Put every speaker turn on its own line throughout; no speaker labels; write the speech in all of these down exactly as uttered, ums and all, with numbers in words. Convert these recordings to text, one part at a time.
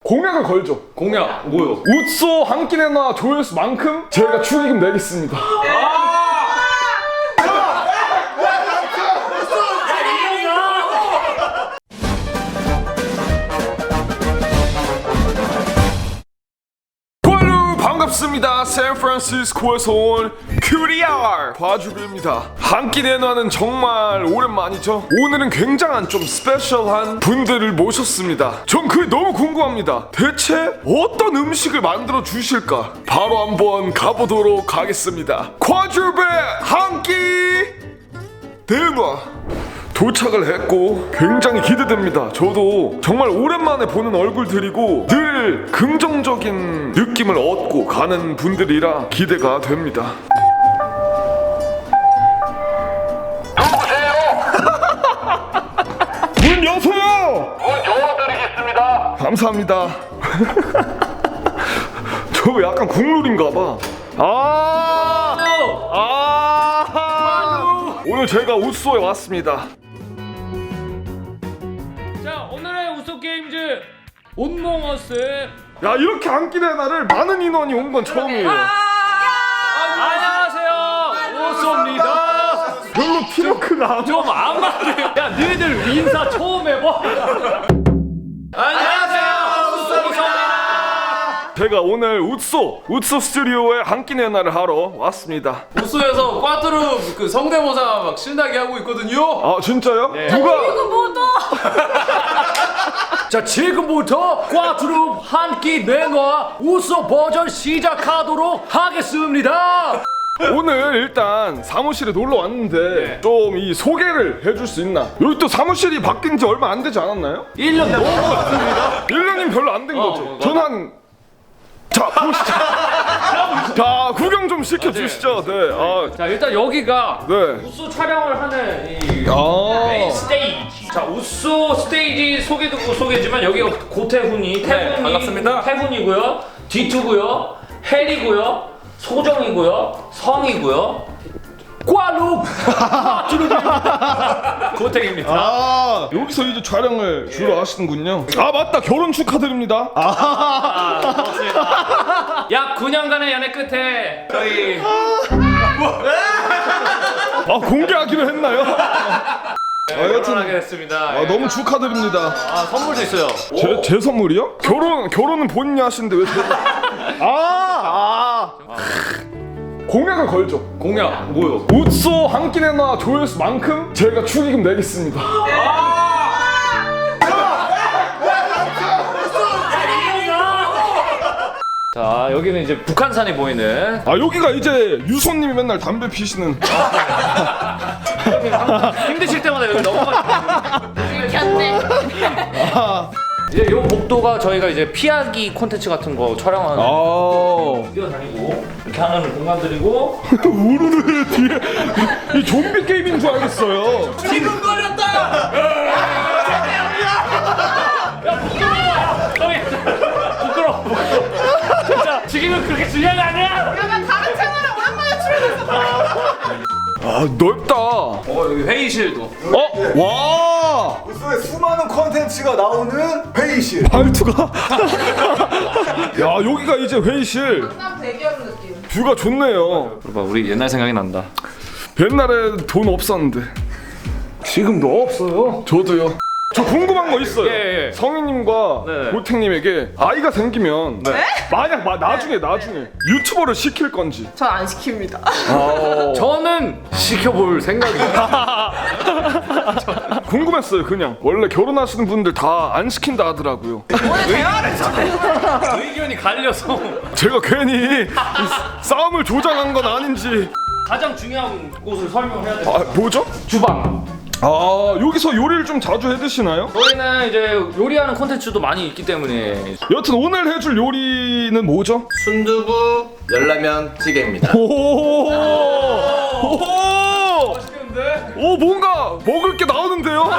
공약을 걸죠.
공약 뭐요?
웃소 한 끼 내놔 조회수만큼 저희가 축의금 내겠습니다. 반갑습니다. 샌프란시스코에서 온 큐리알 과주입니다. 한 끼 내놔는 정말 오랜만이죠. 오늘은 굉장한 좀 스페셜한 분들을 모셨습니다. 전 그게 너무 궁금합니다. 대체 어떤 음식을 만들어 주실까? 바로 한번 가보도록 하겠습니다. 과주배 한 끼 내놔 도착을 했고 굉장히 기대됩니다. 저도 정말 오랜만에 보는 얼굴들이고 늘 긍정적인 느낌을 얻고 가는 분들이라 기대가 됩니다.
누구세요?
문 여세요!
문 열어드리겠습니다.
감사합니다. 저 약간 국룰인가봐. 아, 아, 오늘 제가 웃소에 왔습니다.
자, 오늘의 우소 게임즈 온몽어스.
야, 이렇게 한 끼 내나를 많은 인원이 온 건 처음이에요.
안녕하세요, 우소입니다.
별로 피로크가 안
좀 안 맞네. 야, 너희들 인사 처음 해봐. 안녕하세요, 우소입니다.
제가 오늘 웃소 웃소 스튜디오에 한 끼 내나를 하러 왔습니다.
우소에서 꽈뚜루 그 성대모사 막 신나게 하고 있거든요.
아, 진짜요? 누가?
자, 지금부터 꽈투룹 한 끼 내놔 우소 버전 시작하도록 하겠습니다.
오늘 일단 사무실에 놀러 왔는데 좀 이 소개를 해줄 수 있나? 여기 또 사무실이 바뀐 지 얼마 안 되지 않았나요?
일 년 넘었습니다.
일 년이면 별로 안 된 거죠. 저는 한... 자, 보시죠. 자, 구경 좀 시켜주시죠. 네. 아,
자, 일단 여기가
네.
우소 촬영을 하는 이
아,
메인 스테이지. 자, 우소 스테이지 소개 듣고 소개지만 여기가 고태훈이 태훈이
반갑습니다.
태훈이고요, 디투고요, 헬이고요, 소정이고요, 성이고요, 꽈룩 고택입니다.
아, 여기서 이제 촬영을 주로 하시는군요. 아, 맞다. 결혼 축하드립니다. 아,
약 구 년간의 연애 끝에 저희
아, 공개하기로 했나요? 아, 여튼
결혼하게 됐습니다.
아, 너무 축하드립니다.
아, 선물도 있어요.
제, 제 선물이요? 결혼, 결혼은 본인이 하시는데 왜 제가. 아, 아. 공약을 걸죠.
공약 뭐요?
웃소 한 끼 내놔 조회수만큼 제가 축의금 내겠습니다.
자, 여기는 이제 북한산이 보이는.
아, 여기가 이제 유소님이 맨날 담배 피시는.
힘드실 때마다 여기 넘어가시고.
켰네.
이제 요 복도가 저희가 이제 피하기 콘텐츠 같은 거 촬영하는.
아,
뛰어다니고 이렇게 하는 공간들이고.
우르르 뒤에 이 좀비 게임인 줄 알겠어요.
지금 걸렸다.
형이 부끄러워. 진짜 지금은 그렇게 중요한 거 아니야.
그러면 다른 채널에 오랜만에 출연했어.
아, 넓다.
어 여기 회의실도.
어, 와,
우소의 수많은 콘텐츠가 나오는 회의실.
말투가. 야, 여기가 이제 회의실.
강남 대기업 느낌.
뷰가 좋네요.
봐봐, 우리 옛날 생각이 난다.
옛날에 돈 없었는데 지금도 없어요. 저도요. 저 궁금한 거 있어요.
예, 예.
성희님과
네.
고택님에게 아이가 생기면 만약 마, 나중에 나중에 유튜버를 시킬 건지.
전 안 시킵니다.
저는 시켜볼 생각이에요.
궁금했어요. 그냥 원래 결혼하시는 분들 다 안 시킨다 하더라고요.
의견이 갈려서.
제가 괜히 싸움을 조장한 건 아닌지.
가장 중요한 곳을 설명해야 돼요.
아, 뭐죠?
주방.
아, 여기서 요리를 좀 자주 해 드시나요?
저희는 이제 요리하는 콘텐츠도 많이 있기 때문에.
여튼 오늘 해줄 요리는 뭐죠?
순두부 열라면 찌개입니다.
오, 오, 오, 뭔가 먹을 게 나오는데요?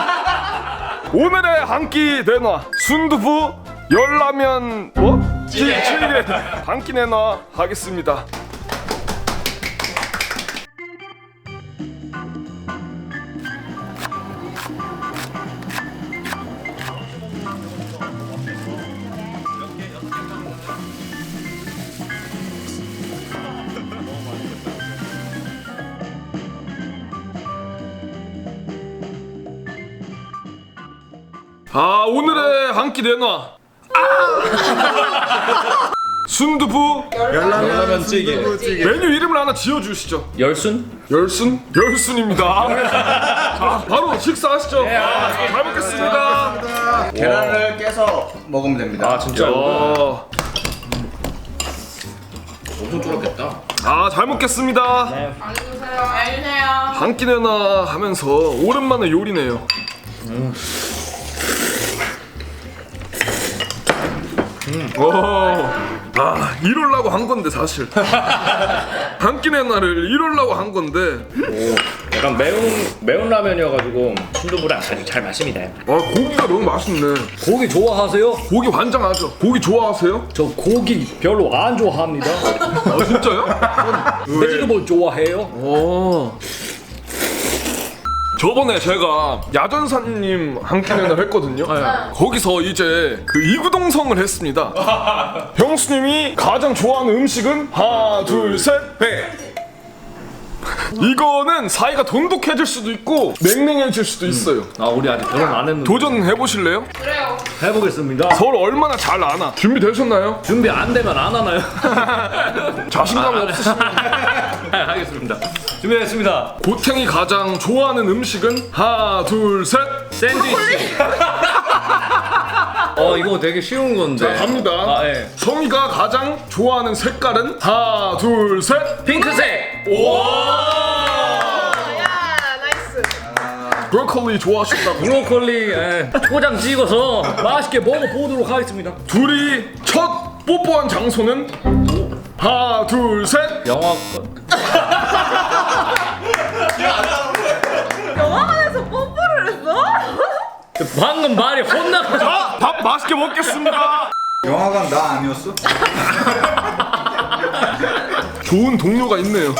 오늘의 한 끼 내놔 순두부 열라면 뭐? 찌개 한 끼 내놔 하겠습니다. 아 오늘의 한 끼 내놔. 아! 순두부
열라면 찌개.
메뉴 이름을 하나 지어주시죠.
열순?
열순? 열순입니다. 자 바로 식사하시죠. 아, 잘 먹겠습니다.
계란을 깨서 먹으면 됩니다.
아 진짜.
어,
엄청 쫄았겠다.
아, 잘 먹겠습니다.
안녕하세요. 안녕하세요.
한 끼 내놔 하면서 오랜만에 요리네요. 음. 어, 아 이럴라고 한 건데 사실 한 끼 내놔를 이럴라고 한 건데
약간 매운 매운 라면이어가지고 순두부랑 아주 잘 맞습니다.
아 고기가 너무 맛있네.
고기 좋아하세요?
고기 환장하죠. 고기 좋아하세요?
저 고기 별로 안 좋아합니다.
아 진짜요?
돼지고기 좋아해요?
어. 저번에 제가 야전사님 한 끼 내놔를 했거든요. 거기서 이제 그 이구동성을 했습니다. 형수님이 가장 좋아하는 음식은 하나 둘셋 회. 이거는 사이가 돈독해질 수도 있고 냉랭해질 수도 있어요.
아 우리 아직 결혼 안 했는데
도전해 보실래요?
그래요.
해보겠습니다.
서로 얼마나 잘 아나? 준비되셨나요?
준비 안 되면 안 하나요?
자신감이 없으시면
하겠습니다. 준비됐습니다.
고탱이 가장 좋아하는 음식은 하나 둘셋
샌드위치. 어 이거 되게 쉬운 건데.
갑니다.
아 예.
성이가 가장 좋아하는 색깔은 하나 둘셋
핑크색.
야, 나이스.
브로콜리 좋아하신다고.
브로콜리 예. 초장 찍어서 맛있게 먹어보도록 하겠습니다.
둘이 첫 뽀뽀한 장소는 하나 둘셋
영화관.
영화관에서 뽀뽀를 했어?
방금 말이 혼나서.
자, 밥 맛있게 먹겠습니다.
영화관 나 아니었어?
좋은 동료가 있네요.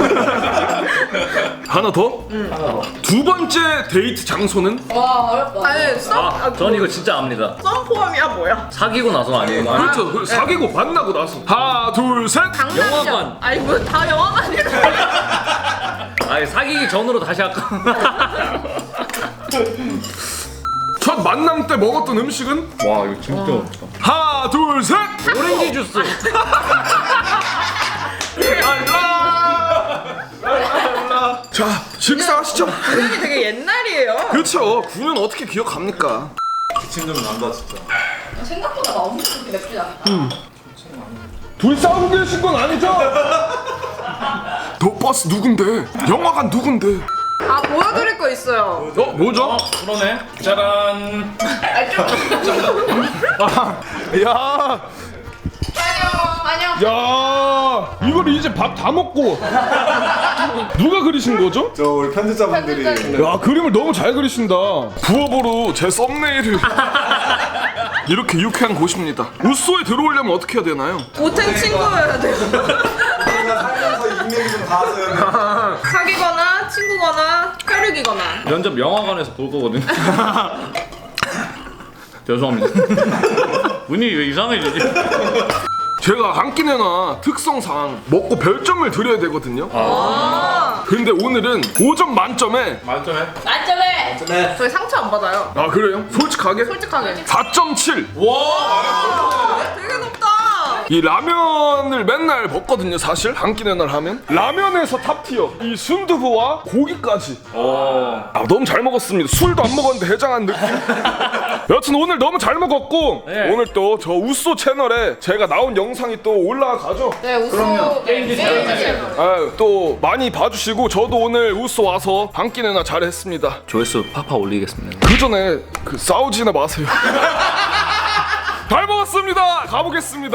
하나 더? 두 번째 데이트 장소는
와, 어렵다. 아니, 썸,
아, 전 이거 진짜 압니다.
썸 포함이야, 뭐야?
사귀고 나서 아니에요?
그렇죠. 그 사귀고 만나고 나서 하나 둘셋
강남이야.
영화관.
아니, 뭐 다 영화관이래.
아니 사귀기 전으로 다시 할까?
첫 만남 때 먹었던 음식은
와 이거 진짜 어렵다.
하나 둘셋
오렌지 주스.
자 식사하시죠.
이름이 되게 옛날이에요.
그렇죠. 구는 어떻게 기억합니까?
기침 좀 난다 진짜.
생각보다 나 엄청 그렇게 맵지 않아.
둘이 싸우고 계신 건 아니죠? 너 버스 누군데? 영화관 누군데?
아, 보여드릴 거 있어요.
어 뭐죠?
그러네. 짜란.
야,
안녕, 안녕.
야, 이걸 이제 밥 다 먹고 누가 그리신 거죠?
저 우리 편집자분들이
야, 그림을 너무 잘 그리신다. 부업으로 제 썸네일을 이렇게 유쾌한 곳입니다. 우소에 들어오려면 어떻게 해야 되나요?
고탱 친구여야 돼요.
우리가 살면서 인맥이 좀 닿았어요.
사귀거나 친구거나 혈육이거나.
면접 영화관에서 볼 거거든. 죄송합니다. 분위기 왜 이상해지지?
제가 한 끼 내놔 특성상 먹고 별점을 드려야 되거든요. 근데 오늘은 오 점 만점에
만점에?
만점에. 저희 상처 안 받아요.
아 그래요? 솔직하게?
솔직하게.
사 점 칠.
되게 높다.
이 라면을 맨날 먹거든요. 사실 한 끼 내날 하면 라면에서 탑티어 이 순두부와 고기까지. 아, 너무 잘 먹었습니다. 술도 안 먹었는데 해장한 느낌. 여튼 오늘 너무 잘 먹었고
네.
오늘 또 저 우소 채널에 제가 나온 영상이 또 올라가죠.
네, 우소. 게임기 채널.
아, 또 많이 봐주시고 저도 오늘 우소 와서 한 끼 내나 잘했습니다.
조회수 팍팍 올리겠습니다.
그 전에 그 싸우지나 마세요. 잘 먹었습니다. 가보겠습니다.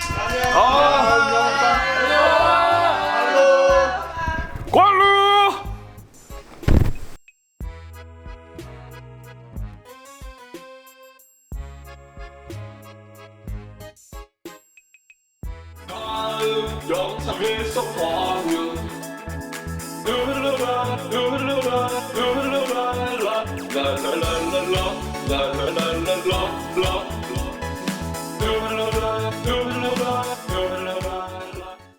아, 꼴루. 다음 영상에서 봐요. 룰루라 룰루라 룰루라 라라라라라 라라라라